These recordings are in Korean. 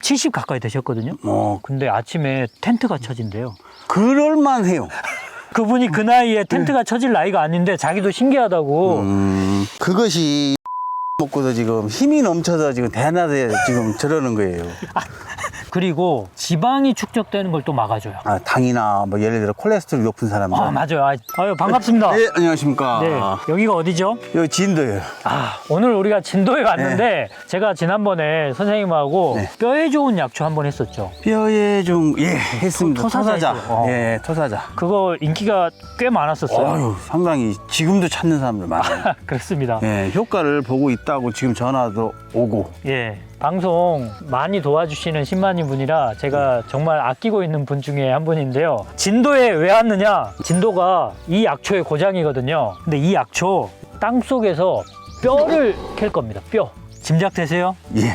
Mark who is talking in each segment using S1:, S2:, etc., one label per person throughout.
S1: 70 가까이 되셨거든요. 근데 아침에 텐트가 쳐진대요.
S2: 그럴만해요.
S1: 그분이 그 나이에 텐트가 쳐질 나이가 아닌데 자기도 신기하다고.
S2: 그것이 먹고서 지금 힘이 넘쳐서 지금 대낮에 지금 저러는 거예요.
S1: 그리고 지방이 축적되는 걸 또 막아줘요.
S2: 아, 당이나 뭐 예를 들어 콜레스테롤 높은 사람들.
S1: 아, 맞아요. 아유, 반갑습니다.
S2: 네, 안녕하십니까.
S1: 네, 여기가 어디죠?
S2: 여기 진도예요.
S1: 아, 오늘 우리가 진도에 갔는데 제가 지난번에 선생님하고
S2: 네.
S1: 뼈에 좋은 약초 한번 했었죠.
S2: 뼈에 좀, 예, 했습니다.
S1: 토사자.
S2: 토사자. 예, 토사자.
S1: 그거 인기가 꽤 많았었어요.
S2: 어휴, 상당히 지금도 찾는 사람들 많아요.
S1: 그렇습니다.
S2: 예, 효과를 보고 있다고 지금 전화도 오고.
S1: 예, 방송 많이 도와주시는 신만이 분이라 제가 정말 아끼고 있는 분 중에 한 분인데요. 진도에 왜 왔느냐? 진도가 이 약초의 고장이거든요. 근데 이 약초 땅속에서 뼈를 캘 겁니다. 뼈. 짐작되세요?
S2: 예.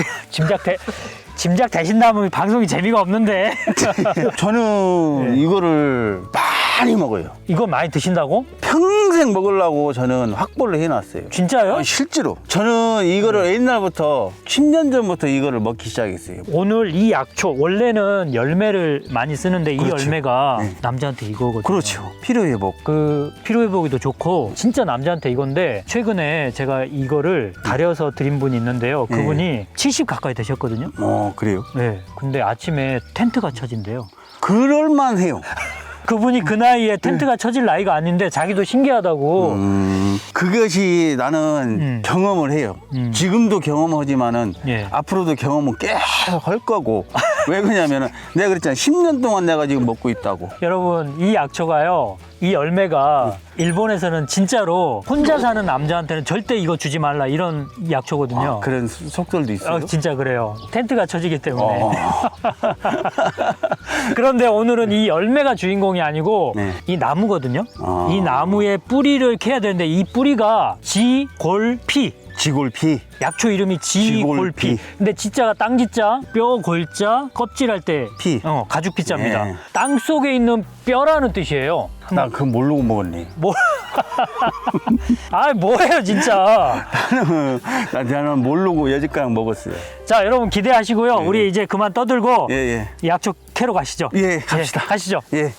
S1: 짐작되신다면 방송이 재미가 없는데.
S2: 저는
S1: 네.
S2: 이거를 많이 먹어요.
S1: 이거 많이 드신다고?
S2: 평생 먹으려고 저는 확보를 해놨어요.
S1: 진짜요?
S2: 실제로. 저는 이거를 옛날부터 10년 전부터 이거를 먹기 시작했어요.
S1: 오늘 이 약초 원래는 열매를 많이 쓰는데 이
S2: 그렇죠.
S1: 열매가
S2: 네.
S1: 남자한테 이거거든요.
S2: 그렇죠. 피로회복.
S1: 그 피로회복에도 좋고 진짜 남자한테 이건데 최근에 제가 이거를 다려서 드린 분이 있는데요. 그분이 70 가까이 되셨거든요.
S2: 그래요?
S1: 네. 근데 아침에 텐트가 쳐진대요.
S2: 그럴만해요.
S1: 그분이 그 나이에 텐트가 쳐질 나이가 아닌데 자기도 신기하다고.
S2: 그것이 나는 경험을 해요. 지금도 경험하지만은
S1: 예.
S2: 앞으로도 경험은 계속 할 거고. 왜 그러냐면은 내가 그랬잖아. 10년 동안 내가 지금 먹고 있다고.
S1: 여러분, 이 약초가요, 이 열매가 일본에서는 진짜로 혼자 사는 남자한테는 절대 이거 주지 말라 이런 약초거든요.
S2: 그런 속설도 있어요.
S1: 진짜 그래요. 텐트가 쳐지기 때문에. 그런데 오늘은 이 열매가 주인공이 아니고
S2: 네.
S1: 이 나무거든요. 이 나무의 뿌리를 캐야 되는데 이 뿌리가 지골피.
S2: 지골피.
S1: 약초 이름이 지골피.
S2: 지골피.
S1: 근데 지자가 땅지자, 뼈 골자, 껍질할 때
S2: 피.
S1: 가죽 피자입니다.
S2: 예.
S1: 땅 속에 있는 뼈라는 뜻이에요.
S2: 나 그거 모르고 먹었네.
S1: 뭐? 아, 뭐예요, 진짜.
S2: 나는 모르고 여지까지 먹었어요.
S1: 자, 여러분 기대하시고요. 우리 이제 그만 떠들고
S2: 예.
S1: 이 약초 캐러 가시죠.
S2: 예, 갑시다.
S1: 가시죠.
S2: 예.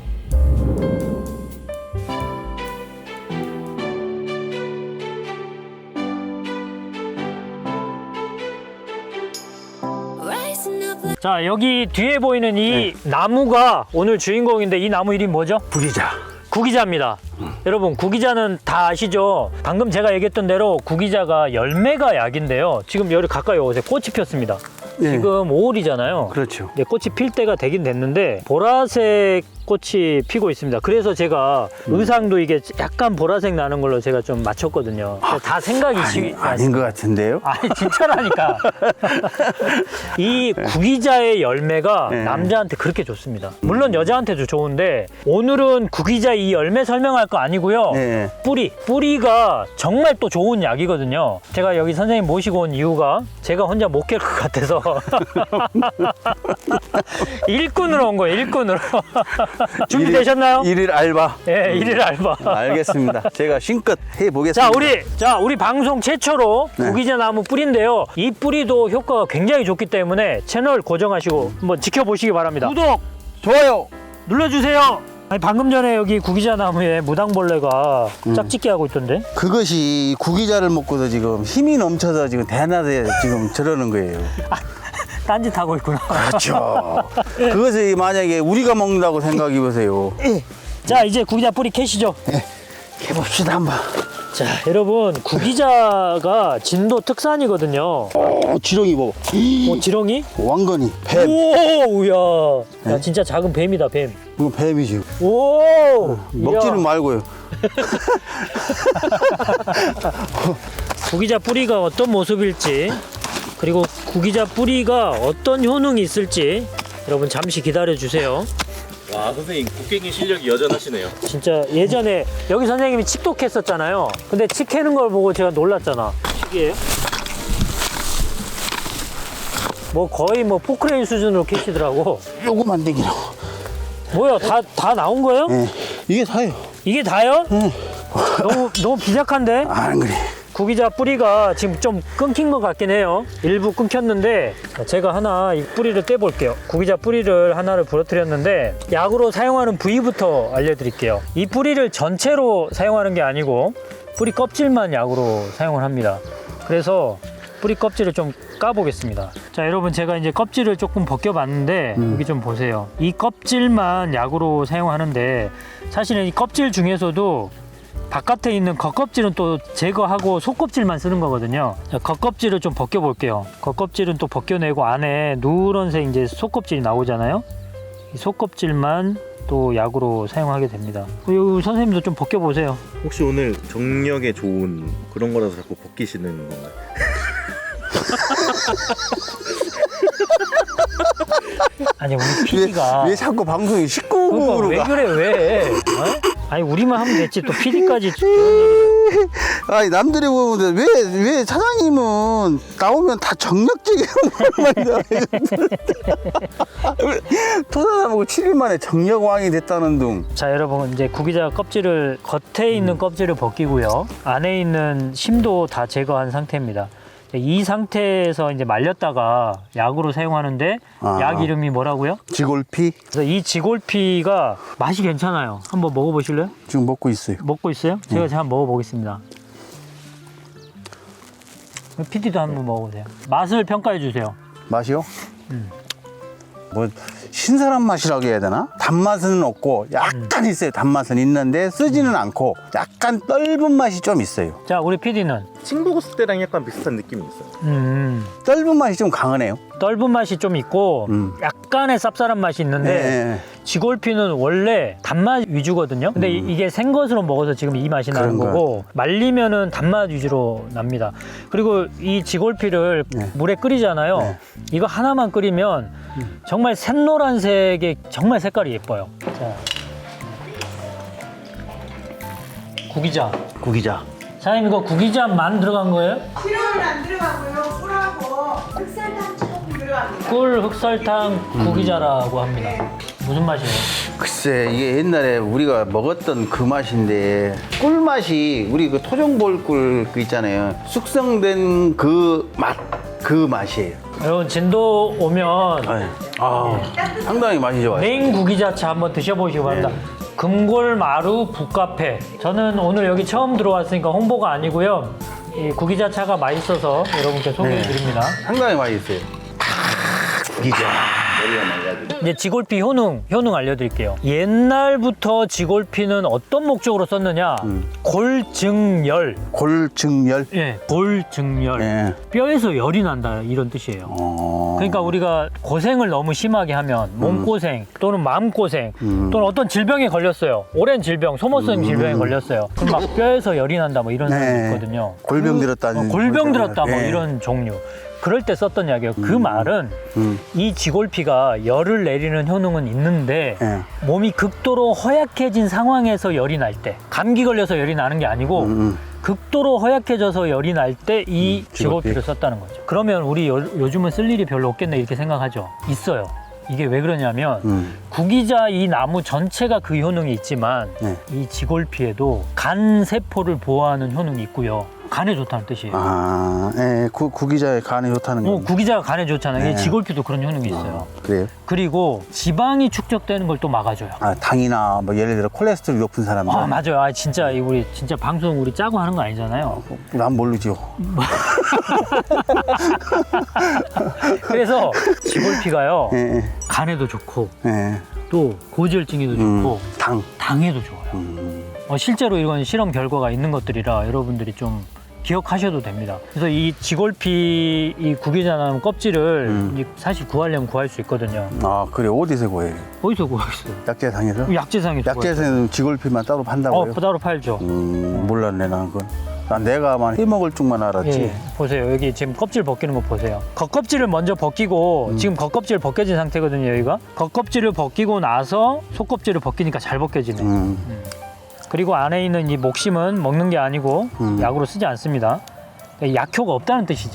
S1: 자, 여기 뒤에 보이는 이 나무가 오늘 주인공인데 이 나무 이름이 뭐죠?
S2: 구기자.
S1: 구기자입니다. 여러분, 구기자는 다 아시죠? 방금 제가 얘기했던 대로 구기자가 열매가 약인데요. 지금 여기 가까이 오세요. 꽃이 폈습니다.
S2: 예.
S1: 지금 5월이잖아요.
S2: 그렇죠.
S1: 네, 꽃이 필 때가 되긴 됐는데 보라색 꽃이 피고 있습니다. 그래서 제가 의상도 이게 약간 보라색 나는 걸로 제가 좀 맞췄거든요. 다 생각이
S2: 아닌 것 같은데요?
S1: 아니, 진짜라니까. 이 구기자의 열매가
S2: 네.
S1: 남자한테 그렇게 좋습니다. 물론 여자한테도 좋은데 오늘은 구기자 이 열매 설명할 거 아니고요.
S2: 네.
S1: 뿌리가 정말 또 좋은 약이거든요. 제가 여기 선생님 모시고 온 이유가 제가 혼자 못 깰 것 같아서 일꾼으로 온 거예요. 일꾼으로. 준비되셨나요?
S2: 일일 알바.
S1: 네, 일일 알바.
S2: 알겠습니다. 제가 신껏 해보겠습니다.
S1: 우리 방송 최초로 구기자 나무 뿌리인데요. 이 뿌리도 효과가 굉장히 좋기 때문에 채널 고정하시고 한번 지켜보시기 바랍니다. 구독,
S2: 좋아요.
S1: 눌러주세요. 아니, 방금 전에 여기 구기자 나무에 무당벌레가 짝짓기 하고 있던데.
S2: 그것이 구기자를 먹고서 지금 힘이 넘쳐서 지금 대낮에 지금 저러는 거예요.
S1: 딴짓하고 있구나.
S2: 그렇죠. 그것이 만약에 우리가 먹는다고 생각해 보세요.
S1: 자, 이제 구기자 뿌리 캐시죠.
S2: 해봅시다 한번.
S1: 자, 여러분, 구기자가 진도 특산이거든요.
S2: 지렁이 뭐
S1: 지렁이?
S2: 왕건이 뱀.
S1: 오우야. 야, 진짜 작은 뱀이다, 뱀.
S2: 이거 뱀이지.
S1: 오!
S2: 먹지는 말고요.
S1: 구기자 뿌리가 어떤 모습일지, 그리고 구기자 뿌리가 어떤 효능이 있을지 여러분 잠시 기다려 주세요.
S3: 와, 선생님 곡괭이 실력이 여전하시네요.
S1: 진짜 예전에 여기 선생님이 칡도 캤었잖아요. 근데 칡 캐는 걸 보고 제가 놀랐잖아. 칡이에요? 뭐 거의 뭐 포크레인 수준으로 캐시더라고.
S2: 요거만 되기라고.
S1: 뭐야, 다 나온 거예요?
S2: 예. 이게 다예요.
S1: 이게 다요? 너무 비작한데?
S2: 안 그래.
S1: 구기자 뿌리가 지금 좀 끊긴 것 같긴 해요. 일부 끊겼는데 제가 하나 이 뿌리를 떼볼게요. 구기자 뿌리를 하나를 부러뜨렸는데 약으로 사용하는 부위부터 알려드릴게요. 이 뿌리를 전체로 사용하는 게 아니고 뿌리 껍질만 약으로 사용을 합니다. 그래서 뿌리 껍질을 좀 까보겠습니다. 자, 여러분 제가 이제 껍질을 조금 벗겨봤는데 여기 좀 보세요. 이 껍질만 약으로 사용하는데 사실은 이 껍질 중에서도 바깥에 있는 겉껍질은 또 제거하고 속껍질만 쓰는 거거든요. 자, 겉껍질을 좀 벗겨볼게요. 겉껍질은 또 벗겨내고 안에 누런색 이제 속껍질이 나오잖아요. 이 속껍질만 또 약으로 사용하게 됩니다. 이 선생님도 좀 벗겨보세요.
S3: 혹시 오늘 정력에 좋은 그런 거라서 자꾸 벗기시는 건가요?
S1: 아니 우리 PD가
S2: 왜 자꾸 방송이 19금으로
S1: 왜
S2: 가?
S1: 그래 왜? 어? 아니 우리만 하면 됐지 또 PD까지
S2: 아니 남들이 보는데 왜 사장님은 나오면 다 정력적인 말이야. 토사나보고 7일 만에 정력왕이 됐다는 둥.
S1: 자, 여러분 이제 구기자 껍질을 겉에 있는 껍질을 벗기고요. 안에 있는 심도 다 제거한 상태입니다. 이 상태에서 이제 말렸다가 약으로 사용하는데 약 이름이 뭐라고요?
S2: 지골피
S1: 그래서 이 지골피가 맛이 괜찮아요. 한번 먹어보실래요?
S2: 지금 먹고 있어요.
S1: 먹고 있어요? 제가 한번 먹어보겠습니다. PD도 한번 먹어보세요. 맛을 평가해 주세요.
S2: 맛이요? 뭐 신선한 맛이라고 해야 되나? 단맛은 없고 약간 있어요. 단맛은 있는데 쓰지는 않고 약간 떫은 맛이 좀 있어요.
S1: 자, 우리 PD는
S3: 침 먹었을 때랑 약간 비슷한 느낌이 있어요.
S2: 떫은 맛이 좀 강하네요.
S1: 떫은 맛이 좀 있고 약간의 쌉쌀한 맛이 있는데
S2: 네.
S1: 지골피는 원래 단맛 위주거든요. 근데 이게 생것으로 먹어서 지금 이 맛이 나는
S2: 그런가요?
S1: 거고 말리면은 단맛 위주로 납니다. 그리고 이 지골피를 물에 끓이잖아요.
S2: 네.
S1: 이거 하나만 끓이면 정말 샛노란색의 정말 색깔이 예뻐요. 자. 구기자.
S2: 구기자.
S1: 사장님 이거 구기자만 들어간 거예요?
S4: 기름은 안 들어가고요. 꿀하고 흑설탕 조금 들어갑니다.
S1: 꿀, 흑설탕, 구기자라고 합니다. 무슨 맛이에요?
S2: 글쎄 이게 옛날에 우리가 먹었던 그 맛인데 꿀맛이 우리 그 토종볼꿀 그 있잖아요. 숙성된 그 맛이에요.
S1: 여러분 진도 오면
S2: 상당히 맛이 좋아요.
S1: 메인 구기자차 한번 드셔보시기 바랍니다. 금골마루 북카페. 저는 오늘 여기 처음 들어왔으니까 홍보가 아니고요. 이 구기자차가 맛있어서 여러분께 소개해드립니다.
S2: 상당히 맛있어요. 구기자.
S1: 이제 지골피 효능 알려드릴게요. 옛날부터 지골피는 어떤 목적으로 썼느냐? 골증열.
S2: 골증열.
S1: 예, 골증열.
S2: 예.
S1: 뼈에서 열이 난다 이런 뜻이에요. 그러니까 우리가 고생을 너무 심하게 하면 몸고생 또는 마음고생 또는 어떤 질병에 걸렸어요. 오랜 질병, 소모성 질병에 걸렸어요. 그럼 막 뼈에서 열이 난다 뭐 이런 사람이 있거든요.
S2: 골병 들었다는.
S1: 골병 들었다 뭐
S2: 예.
S1: 이런 종류. 그럴 때 썼던 약이에요. 그 말은 이 지골피가 열을 내리는 효능은 있는데
S2: 예.
S1: 몸이 극도로 허약해진 상황에서 열이 날 때, 감기 걸려서 열이 나는 게 아니고 극도로 허약해져서 열이 날 때 이 지골피를 썼다는 거죠. 그러면 우리 요즘은 쓸 일이 별로 없겠네 이렇게 생각하죠. 있어요. 이게 왜 그러냐면 구기자 이 나무 전체가 그 효능이 있지만 이 지골피에도 간 세포를 보호하는 효능이 있고요. 간에 좋다는 뜻이에요.
S2: 예, 구기자의 간에 좋다는 거.
S1: 구기자가 간에 좋잖아요.
S2: 네.
S1: 지골피도 그런 효능이 있어요.
S2: 그래요?
S1: 그리고 지방이 축적되는 걸 또 막아줘요.
S2: 당이나 뭐 예를 들어 콜레스테롤 높은 사람들.
S1: 맞아요. 진짜 우리 진짜 방송 우리 짜고 하는 거 아니잖아요.
S2: 난 모르죠.
S1: 그래서 지골피가요
S2: 예,
S1: 간에도 좋고
S2: 예.
S1: 또 고지혈증에도 좋고 당에도 좋아요. 실제로 이건 실험 결과가 있는 것들이라 여러분들이 좀 기억하셔도 됩니다. 그래서 이 지골피 이 구기자나무 껍질을 사실 구하려면 구할 수 있거든요.
S2: 그래 어디서 구해요?
S1: 어디서 구하겠어요?
S2: 약재상에서?
S1: 약재상에서
S2: 약재상에는 지골피만 따로 판다고요?
S1: 따로 팔죠.
S2: 몰랐네 난 그건. 난 내가만 해먹을 줄만 알았지.
S1: 예, 보세요. 여기 지금 껍질 벗기는 거 보세요. 겉껍질을 먼저 벗기고 지금 겉껍질 벗겨진 상태거든요. 여기가 겉껍질을 벗기고 나서 속껍질을 벗기니까 잘 벗겨지네. 그리고 안에 있는 이 목심은 먹는 게 아니고 약으로 쓰지 않습니다. 약효가 없다는 뜻이죠.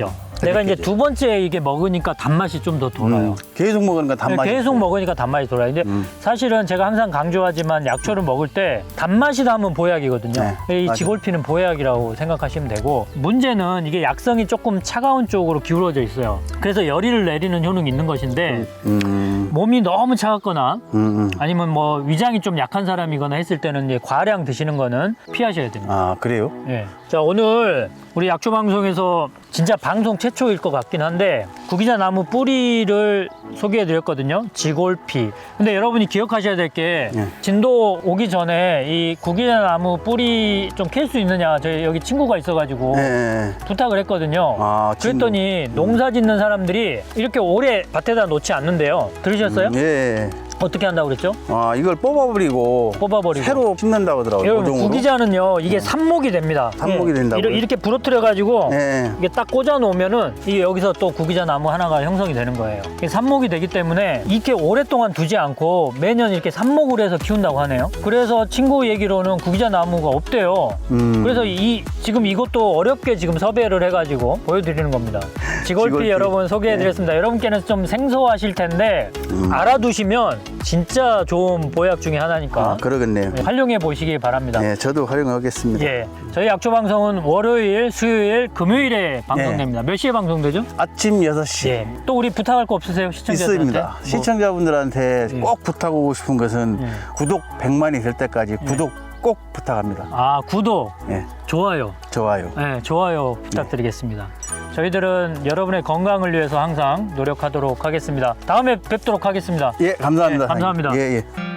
S1: 내가 이제
S2: 느껴져요.
S1: 두 번째 이게 먹으니까 단맛이 좀 더 돌아요.
S2: 계속 먹으니까 단맛이
S1: 계속
S2: 있어요.
S1: 먹으니까 단맛이 돌아요. 근데 사실은 제가 항상 강조하지만 약초를 먹을 때 단맛이 나면 보약이거든요.
S2: 네,
S1: 이
S2: 맞아요.
S1: 지골피는 보약이라고 생각하시면 되고, 문제는 이게 약성이 조금 차가운 쪽으로 기울어져 있어요. 그래서 열이를 내리는 효능이 있는 것인데 몸이 너무 차갑거나 아니면 뭐 위장이 좀 약한 사람이거나 했을 때는 이제 과량 드시는 거는 피하셔야 됩니다.
S2: 아, 그래요?
S1: 예. 자, 오늘 우리 약초 방송에서 진짜 방송 최초일 것 같긴 한데 구기자 나무 뿌리를 소개해 드렸거든요. 지골피. 근데 여러분이 기억하셔야 될 게
S2: 예.
S1: 진도 오기 전에 이 구기자 나무 뿌리 좀 캘 수 있느냐, 저희 여기 친구가 있어가지고
S2: 네.
S1: 부탁을 했거든요.
S2: 아,
S1: 그랬더니 농사 짓는 사람들이 이렇게 오래 밭에다 놓지 않는데요. 들으셨어요?
S2: 예.
S1: 어떻게 한다고 그랬죠?
S2: 아, 이걸 뽑아버리고
S1: 뽑아버리고.
S2: 새로 심는다고 하더라고요.
S1: 여러분,
S2: 모종으로.
S1: 구기자는요, 이게 삽목이 됩니다.
S2: 삽목이
S1: 예.
S2: 된다고요?
S1: 이렇게 부러뜨려가지고
S2: 예.
S1: 이게 딱 꽂아 놓으면은 이게 여기서 또 구기자 나무 하나가 형성이 되는 거예요. 이게 삽목이 되기 때문에 이렇게 오랫동안 두지 않고 매년 이렇게 삽목을 해서 키운다고 하네요. 그래서 친구 얘기로는 구기자 나무가 없대요. 그래서 지금 이것도 어렵게 지금 섭외를 해가지고 보여드리는 겁니다. 지골피
S2: 지골피.
S1: 여러분 소개해드렸습니다. 여러분께는 좀 생소하실 텐데 알아두시면 진짜 좋은 보약 중에 하나니까
S2: 아, 그러겠네요.
S1: 활용해 보시기 바랍니다.
S2: 예, 저도 활용하겠습니다.
S1: 예, 저희 약초 방송은 월요일, 수요일, 금요일에 방송됩니다. 몇 시에 방송되죠?
S2: 아침 6시.
S1: 예. 또 우리 부탁할 거 없으세요, 시청자들한테?
S2: 있습니다.
S1: 뭐,
S2: 시청자분들한테
S1: 예.
S2: 꼭 부탁하고 싶은 것은 구독 100만이 될 때까지 구독 꼭 부탁합니다.
S1: 아, 구독,
S2: 예,
S1: 좋아요.
S2: 좋아요.
S1: 네, 좋아요 부탁드리겠습니다. 저희들은 여러분의 건강을 위해서 항상 노력하도록 하겠습니다. 다음에 뵙도록 하겠습니다.
S2: 예, 감사합니다.
S1: 예, 감사합니다.
S2: 예, 예.